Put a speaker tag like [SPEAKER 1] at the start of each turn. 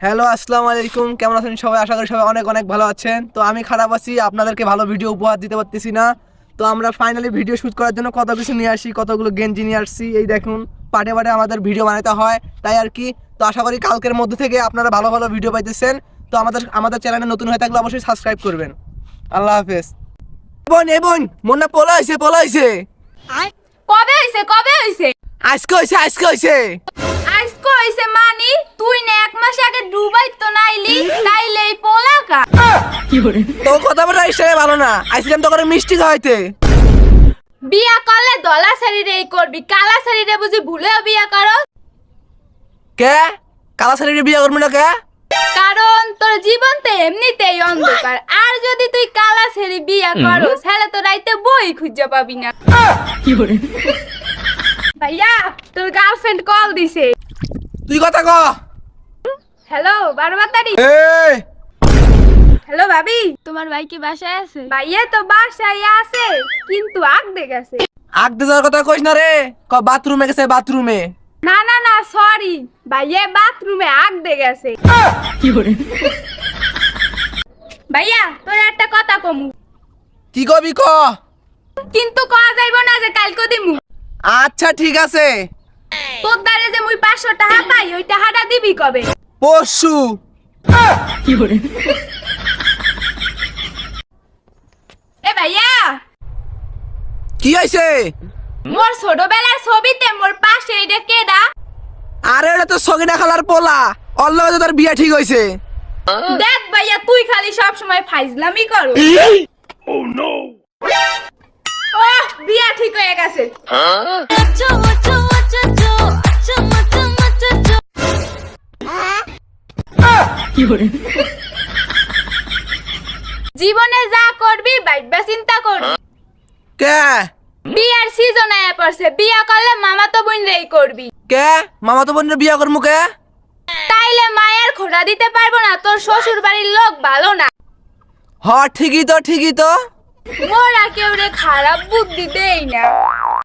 [SPEAKER 1] Hello, আসসালামু আলাইকুম। কেমন আছেন সবাই? আশা করি সবাই অনেক অনেক ভালো আছেন। তো আমি খারাপ আছি, আপনাদেরকে ভালো ভিডিও উপহার দিতে পারতেছি না। তো আমরা ফাইনালি ভিডিও শ্যুট করার জন্য কত কিছু নিয়ে আসি, কতগুলো গেঞ্জি নিয়ে আসছি। এই দেখুন, পাটে পাটে আমাদের ভিডিও বানাতে হয়, তাই আর কি। তো আশা করি কালকের মধ্যে থেকে আপনারা ভালো ভালো ভিডিও পাইতেছেন। তো আমাদের চ্যানেলে নতুন হয়ে থাকলে অবশ্যই সাবস্ক্রাইব করবেন। আল্লাহ হাফেজ। বোন মন না পলাইছে।
[SPEAKER 2] কবে হইছে?
[SPEAKER 1] আজকে হইছে।
[SPEAKER 2] আজকে হইছে মানে তুই না এক মাস আগে দুবাই তো নাইলি তাইলে এই পোলাকা
[SPEAKER 1] তো কথা বলা ইসে ভালো না, আইছিলাম তো করে মিষ্টি খাওয়াইতে।
[SPEAKER 2] বিয়া করলে দলা শরীরে করবি, কালা শরীরে বুঝি ভুলেও বিয়া করো?
[SPEAKER 1] কে কালা শাড়ি বিয়ে করবি না কে?
[SPEAKER 2] কারণ তোর জীবন তো এমনিতেই অন্ধকার, আর যদি তুই কালা ছেড়ে বিয়া করো তাহলে তো রাইতে বই খুঁজে পাবি না। ভাইয়া, তোর গার্লফ্রেন্ড কল দিছে।
[SPEAKER 1] তুই কথা ক।
[SPEAKER 2] হ্যালো বারবাতারি।
[SPEAKER 1] এই
[SPEAKER 2] হ্যালো ভাবি, তোমার ভাই কি বাসায় আছে? ভাইয়া তো বাসায় আছে, কিন্তু আগদে গেছে।
[SPEAKER 1] আগতে যাওয়ার কথা কইস না রে, ক বাথরুমে গেছে বাথরুমে।
[SPEAKER 2] না সরি, ভাইয়া বাথরুমে আগদে গেছে। ভাইয়া তোর একটা কথা কমু,
[SPEAKER 1] কি কবি ক।
[SPEAKER 2] কিন্তু কয়া যাইব না যে কালকে দিমু।
[SPEAKER 1] আচ্ছা ঠিক আছে।
[SPEAKER 2] তোর দ্বারে যে মুই 500 টাকা পাই ওই টাকাটা দিবি কবে?
[SPEAKER 1] পরশু।
[SPEAKER 2] এ ভাইয়া,
[SPEAKER 1] কি হইছে?
[SPEAKER 2] মোর ছোটবেলার ছবিতে মোর পাশে এটা কেডা?
[SPEAKER 1] আরে এটা তো সগিনা খালার পোলা, ওর লগে তো তোর বিয়ে ঠিক হইছে।
[SPEAKER 2] দেখ ভাইয়া, তুই খালি সব সময় ফাইজলামি করো। ওহ, বিয়া ঠিক হয়ে গেছে। জীবনে যা করবি বাইবা চিন্তা করবি।
[SPEAKER 1] কে
[SPEAKER 2] বিয়ার সিজন আয়া পড়ছে, বিয়া করলে মামা তো বোন রেই করবি।
[SPEAKER 1] কে মামা তো বোনের বিয়ে করমু কে?
[SPEAKER 2] তাইলে মায়ের খোঁড়া দিতে পারবো না, তোর শ্বশুর বাড়ির লোক ভালো না।
[SPEAKER 1] হ ঠিকই তো।
[SPEAKER 2] মোরা কেউ রে খারাপ বুদ্ধি দেই না।